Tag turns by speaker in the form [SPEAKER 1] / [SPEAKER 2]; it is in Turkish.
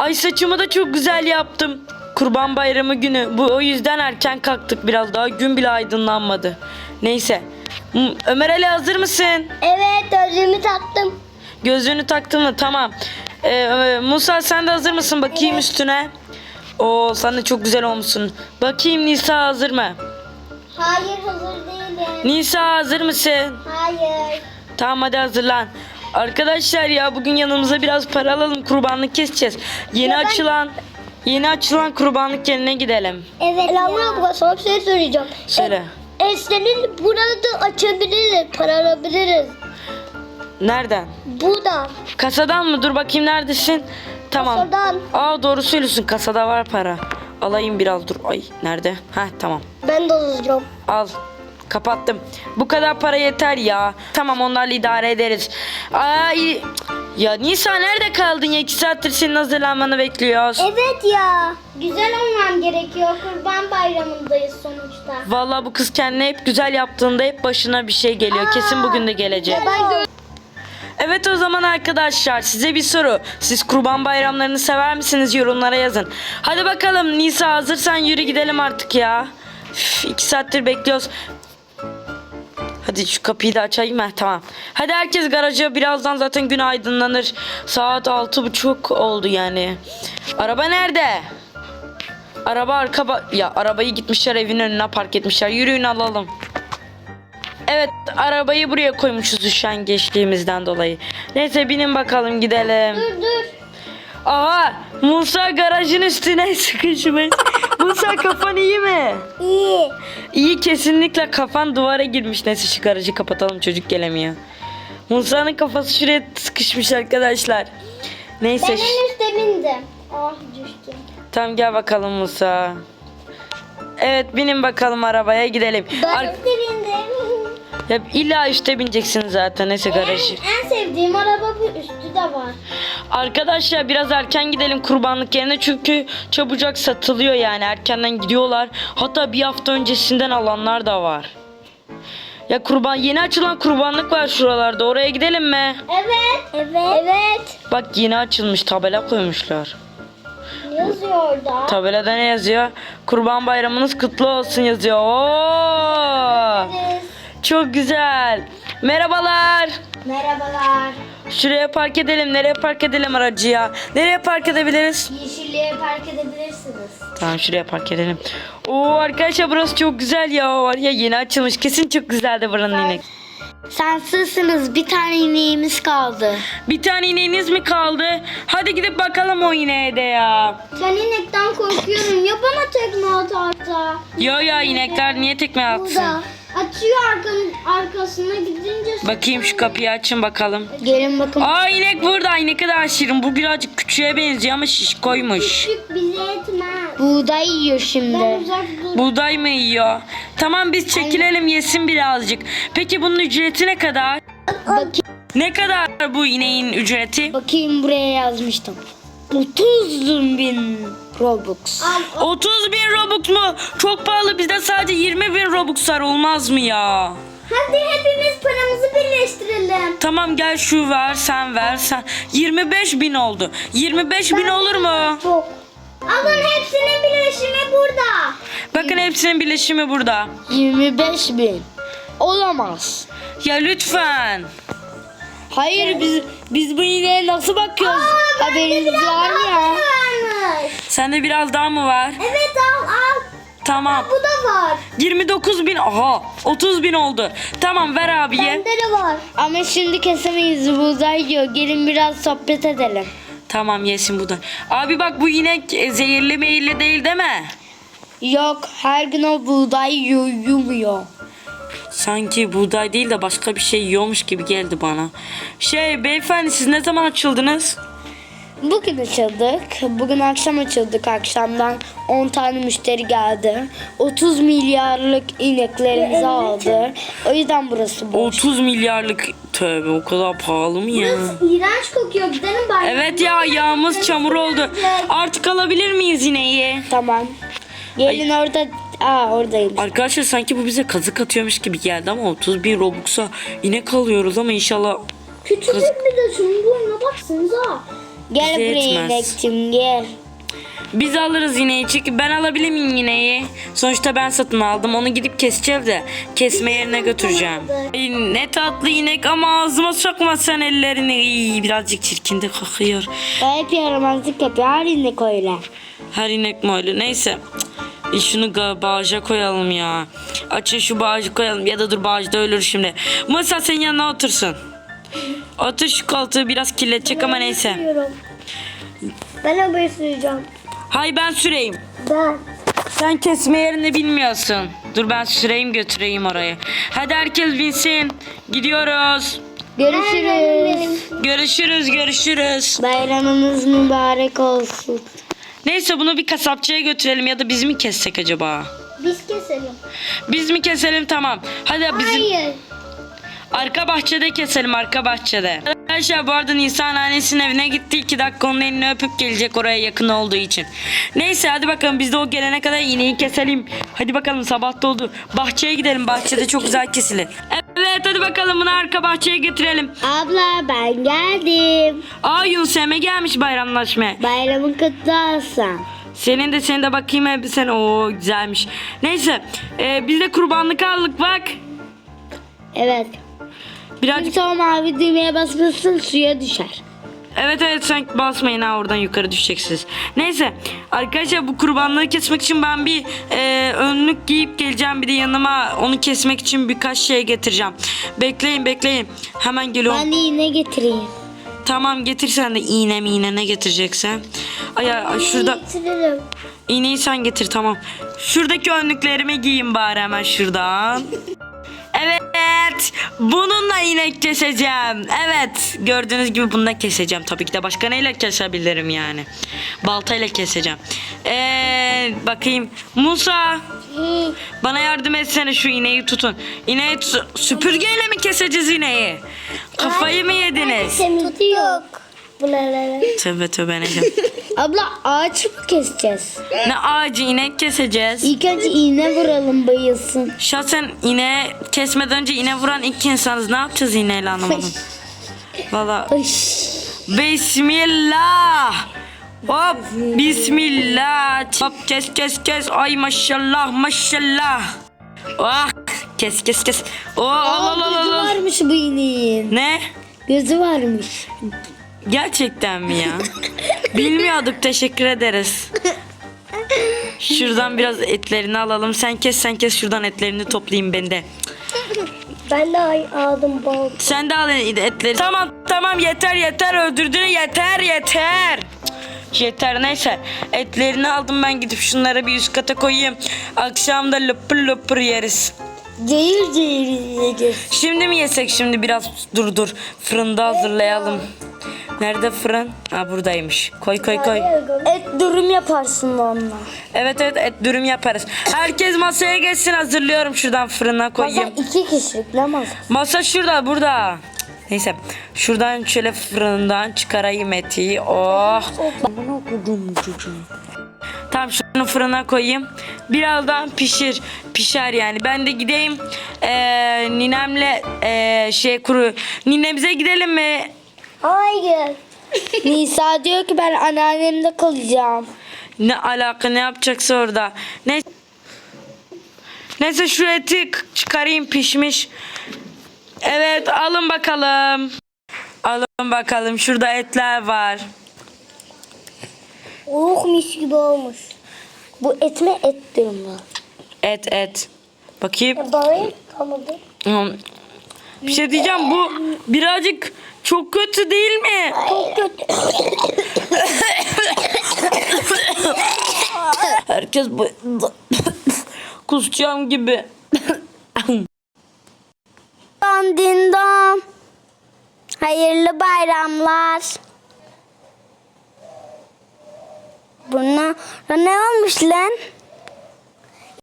[SPEAKER 1] Ay saçımı da çok güzel yaptım. Kurban Bayramı günü. O yüzden erken kalktık biraz daha. Gün bile aydınlanmadı. Neyse. Ömer Ali hazır mısın?
[SPEAKER 2] Evet, gözlüğümü taktım.
[SPEAKER 1] Gözlüğünü taktın mı? Tamam. Musa sen de hazır mısın? Bakayım
[SPEAKER 2] Evet.
[SPEAKER 1] üstüne. Oo sen de çok güzel olmuşsun. Bakayım Nisa hazır mı?
[SPEAKER 2] Hayır, hazır değilim.
[SPEAKER 1] Nisa hazır mısın?
[SPEAKER 2] Hayır.
[SPEAKER 1] Tamam hadi hazırlan. Arkadaşlar ya bugün yanımıza biraz para alalım. Kurbanlık keseceğiz. Yeni açılan kurbanlık yerine gidelim.
[SPEAKER 2] Evet Laura, sana bir şey söyleyeceğim.
[SPEAKER 1] Söyle.
[SPEAKER 2] Senin burada açabiliriz, para alabiliriz.
[SPEAKER 1] Nereden?
[SPEAKER 2] Buradan.
[SPEAKER 1] Kasadan mı? Dur bakayım neredesin? Tamam.
[SPEAKER 2] Kasadan.
[SPEAKER 1] Aa doğru söylüyorsun. Kasada var para. Alayım biraz dur. Ay nerede? Heh tamam.
[SPEAKER 2] Ben de alacağım.
[SPEAKER 1] Al. Kapattım. Bu kadar para yeter ya. Tamam onlarla idare ederiz. Ay. Ya Nisa nerede kaldın ya? 2 saattir senin hazırlanmanı bekliyoruz.
[SPEAKER 2] Evet ya. Güzel olmam gerekiyor. Kurban bayramındayız sonuçta.
[SPEAKER 1] Vallahi bu kız kendine hep güzel yaptığında hep başına bir şey geliyor. Kesin bugün de gelecek. Evet o zaman arkadaşlar size bir soru. Siz kurban bayramlarını sever misiniz? Yorumlara yazın. Hadi bakalım Nisa hazırsan yürü gidelim artık ya. 2 saattir bekliyoruz. Hadi şu kapıyı da açayım mı? Tamam. Hadi herkes garaja, birazdan zaten gün aydınlanır. Saat 6:30 oldu yani. Araba nerede? Araba ya arabayı gitmişler evin önüne park etmişler. Yürüyün alalım. Evet arabayı buraya koymuşuz üşengeçliğimizden dolayı. Neyse binin bakalım gidelim.
[SPEAKER 2] Dur.
[SPEAKER 1] Aha Musa garajın üstüne sıkışmış. Musa kafan iyi mi?
[SPEAKER 2] İyi.
[SPEAKER 1] İyi kesinlikle kafan duvara girmiş. Neyse şu garajı kapatalım çocuk gelemiyor. Musa'nın kafası şuraya sıkışmış arkadaşlar. Neyse.
[SPEAKER 2] Ben en üstte bindim. Ah düştüm.
[SPEAKER 1] Tamam gel bakalım Musa. Evet binin bakalım arabaya gidelim.
[SPEAKER 2] Ben üstte bindim.
[SPEAKER 1] Ya illa üstte bineceksin zaten neyse garajı.
[SPEAKER 2] En sevdiğim araba bu, üstü de var.
[SPEAKER 1] Arkadaşlar biraz erken gidelim kurbanlık yerine çünkü çabucak satılıyor yani erkenden gidiyorlar. Hatta bir hafta öncesinden alanlar da var. Ya yeni açılan kurbanlık var şuralarda, oraya gidelim mi?
[SPEAKER 2] Evet.
[SPEAKER 1] Bak yeni açılmış, tabela koymuşlar.
[SPEAKER 2] Ne yazıyor orada?
[SPEAKER 1] Tabelada ne yazıyor? Kurban bayramınız kutlu olsun yazıyor. Oo!
[SPEAKER 2] Evet.
[SPEAKER 1] Çok güzel. Merhabalar.
[SPEAKER 2] Merhabalar.
[SPEAKER 1] Şuraya park edelim. Nereye park edelim aracı ya? Nereye park edebiliriz?
[SPEAKER 2] Yeşilliğe park edebilirsiniz.
[SPEAKER 1] Tamam şuraya park edelim. Oo arkadaşlar burası çok güzel ya. Var ya yeni açılmış. Kesin çok güzeldi buranın inek.
[SPEAKER 2] Şanslısınız, bir tane ineğimiz kaldı.
[SPEAKER 1] Bir tane ineğiniz mi kaldı? Hadi gidip bakalım o ineğe de ya.
[SPEAKER 2] Ben inekten korkuyorum. Ya bana tekme atarsa?
[SPEAKER 1] Yo ya inekler niye tekme atsın?
[SPEAKER 2] Burada. Açıyor arkasına gidince.
[SPEAKER 1] Bakayım şu kapıyı açın bakalım.
[SPEAKER 2] Gelin bakın.
[SPEAKER 1] Aa inek burada. Ne kadar şirin. Bu birazcık küçüğe benziyor ama şişkoymuş.
[SPEAKER 2] Küçük bize etmez. Buğday yiyor şimdi. Ben uzak dur.
[SPEAKER 1] Buğday mı yiyor? Tamam biz çekilelim yesin birazcık. Peki bunun ücreti ne kadar? Ne kadar bu ineğin ücreti?
[SPEAKER 2] Bakayım buraya yazmıştım. 30.000 Robux.
[SPEAKER 1] 30.000 Robux mu? Çok pahalı. Bizde sadece 20.000 Robux var. Olmaz mı ya?
[SPEAKER 2] Hadi hepimiz paramızı birleştirelim.
[SPEAKER 1] Tamam gel şu ver sen ver sen. 25.000 oldu. 25.000 olur mu?
[SPEAKER 2] Çok. Alın hepsinin birleşimi burada.
[SPEAKER 1] Bakın hepsinin birleşimi burada.
[SPEAKER 2] 25.000. Olamaz.
[SPEAKER 1] Ya lütfen.
[SPEAKER 2] Hayır biz bu ineğe nasıl bakıyoruz? Haberiniz var mı ya?
[SPEAKER 1] Sende biraz daha mı var?
[SPEAKER 2] Evet al.
[SPEAKER 1] Tamam.
[SPEAKER 2] Bu da var.
[SPEAKER 1] 29.000. Aha 30.000 oldu. Tamam ver abiye.
[SPEAKER 2] Bende de var. Ama şimdi kesemeyiz, buğday yiyor. Gelin biraz sohbet edelim.
[SPEAKER 1] Tamam yesin bu da. Abi bak bu inek zehirli meyilli değil değil mi?
[SPEAKER 2] Yok, her gün o buğday yumuyor.
[SPEAKER 1] Sanki buğday değil de başka bir şey yiyormuş gibi geldi bana. Beyefendi siz ne zaman açıldınız?
[SPEAKER 2] Bugün açıldık. Bugün akşam açıldık. Akşamdan 10 tane müşteri geldi. 30 milyarlık ineklerimizi aldı. O yüzden burası boş.
[SPEAKER 1] 30 milyarlık tövbe o kadar pahalı mı ya?
[SPEAKER 2] İğrenç kokuyor. Gidelim bari.
[SPEAKER 1] Evet ya ayağımız çamur oldu. Artık alabilir miyiz ineği?
[SPEAKER 2] Tamam. Gelin orada. Oradayım.
[SPEAKER 1] Arkadaşlar sanki bu bize kazık atıyormuş gibi geldi ama 30.000 Robux'a inek alıyoruz ama inşallah...
[SPEAKER 2] Küçücük bir de şunun boyuna baksanıza. Gel
[SPEAKER 1] Bize
[SPEAKER 2] buraya
[SPEAKER 1] yetmez.
[SPEAKER 2] inekçim gel.
[SPEAKER 1] Biz alırız ineği çünkü ben alabilir miyim ineği? Sonuçta ben satın aldım. Onu gidip keseceğim de kesme yerine götüreceğim. Ay, ne tatlı inek ama ağzıma sokma sen ellerini. İy, birazcık çirkin de kokuyor.
[SPEAKER 2] Hep yaramazlık yapıyor. Her inek öyle.
[SPEAKER 1] Her inek mi öyle? Neyse. Şunu bağaca koyalım ya. Açın şu bağcı koyalım. Ya da dur bağcı da ölür şimdi. Masa senin yanına otursun. Otur şu koltuğu biraz kirletecek ama neyse.
[SPEAKER 3] Ben arabayı süreceğim.
[SPEAKER 1] Hay ben süreyim.
[SPEAKER 3] Ben.
[SPEAKER 1] Sen kesme yerini bilmiyorsun. Dur ben süreyim götüreyim oraya. Hadi herkes binsin. Gidiyoruz.
[SPEAKER 2] Görüşürüz.
[SPEAKER 1] Görüşürüz.
[SPEAKER 2] Bayramınız mübarek olsun.
[SPEAKER 1] Neyse bunu bir kasapçıya götürelim ya da biz mi kessek acaba?
[SPEAKER 3] Biz keselim.
[SPEAKER 1] Biz mi keselim tamam. Hadi bizim
[SPEAKER 3] Hayır.
[SPEAKER 1] arka bahçede keselim arka bahçede. Arkadaşlar bu arada Nisan annesinin evine gitti. 2 dakika onun elini öpüp gelecek oraya yakın olduğu için. Neyse hadi bakalım biz de o gelene kadar ineği keselim. Hadi bakalım sabah da oldu. Bahçeye gidelim. Bahçede çok güzel kesilir. Evet hadi bakalım bunu arka bahçeye götürelim.
[SPEAKER 2] Abla ben geldim.
[SPEAKER 1] Aa Yunus Emre gelmiş bayramlaşmaya.
[SPEAKER 2] Bayramın kutlu olsun.
[SPEAKER 1] Senin de bakayım elbisen. Oo güzelmiş. Neyse biz de kurbanlık aldık bak.
[SPEAKER 2] Evet.
[SPEAKER 1] Birazcık
[SPEAKER 2] Sonra mavi düğmeye basmışsın suya düşer.
[SPEAKER 1] evet sen basmayın ha oradan yukarı düşeceksiniz. Neyse arkadaşlar bu kurbanlığı kesmek için ben bir önlük giyip geleceğim. Bir de yanıma onu kesmek için birkaç şey getireceğim. Bekleyin. Hemen geliyorum.
[SPEAKER 2] Ben de iğne getireyim.
[SPEAKER 1] Tamam getir sen de iğne ne getireceksen. Ay şurada
[SPEAKER 3] Getiririm.
[SPEAKER 1] iğneyi sen getir tamam. Şuradaki önlüklerimi giyeyim bari hemen şuradan. Evet. Bununla inek keseceğim. Evet. Gördüğünüz gibi bununla keseceğim. Tabii ki de başka neyle kesebilirim yani. Baltayla keseceğim. Bakayım. Musa. Bana yardım etsene şu ineği tutun. İneği süpürgeyle mi keseceğiz ineği? Kafayı mı yediniz?
[SPEAKER 3] Tutu yok. Buralara.
[SPEAKER 1] Tövbe neyse.
[SPEAKER 2] Abla ağaç mı keseceğiz?
[SPEAKER 1] Ne ağacı inek keseceğiz.
[SPEAKER 2] İlk önce iğne vuralım bayılsın.
[SPEAKER 1] Şahsen ineği kesmeden önce iğne vuran ilk insanız. Ne yapacağız iğneyle anlamadım. Valla. Bismillah. Hop bismillah. Hop kes. Ay maşallah. Oh kes. Oh
[SPEAKER 2] Gözü varmış bu ineğin.
[SPEAKER 1] Ne?
[SPEAKER 2] Gözü varmış.
[SPEAKER 1] Gerçekten mi ya? Bilmiyorduk teşekkür ederiz. Şuradan biraz etlerini alalım. Sen kes şuradan etlerini toplayayım ben de.
[SPEAKER 3] Ben de aldım bal.
[SPEAKER 1] Sen de al etleri. Tamam yeter öldürdün yeter. Yeter neyse etlerini aldım ben gidip şunları bir üst kata koyayım. Akşam da löpür yeriz.
[SPEAKER 2] Cayır yiyeceğiz.
[SPEAKER 1] Şimdi mi yesek şimdi biraz dur fırında hazırlayalım. Nerede fırın? Ha buradaymış. Koy.
[SPEAKER 2] Et dürüm yaparsın onunla.
[SPEAKER 1] Evet et dürüm yaparız. Herkes masaya geçsin hazırlıyorum şuradan fırına
[SPEAKER 2] Masa
[SPEAKER 1] koyayım.
[SPEAKER 2] 2 kişilik ne masa?
[SPEAKER 1] Masa şurada burada. Neyse şuradan şöyle fırından çıkarayım eti. Oh. Bana okudum çocuğum. Tamam şunu fırına koyayım. Birazdan pişer yani. Ben de gideyim ninemle ninemize gidelim mi?
[SPEAKER 3] Hayır.
[SPEAKER 2] Nisa diyor ki ben anneannemde kalacağım.
[SPEAKER 1] Ne alaka ne yapacaksa orada. Neyse şu eti çıkarayım pişmiş. Evet alın bakalım. Şurada etler var.
[SPEAKER 3] Oh mis gibi olmuş.
[SPEAKER 2] Bu et mi et dürüm mü?
[SPEAKER 1] Et. Bakayım.
[SPEAKER 3] Balayı kalmadı.
[SPEAKER 1] Bir şey diyeceğim bu birazcık çok kötü değil mi?
[SPEAKER 3] Çok kötü.
[SPEAKER 1] Herkes bu kusacağım gibi.
[SPEAKER 2] Dindom. Hayırlı bayramlar. Buna ne olmuş lan?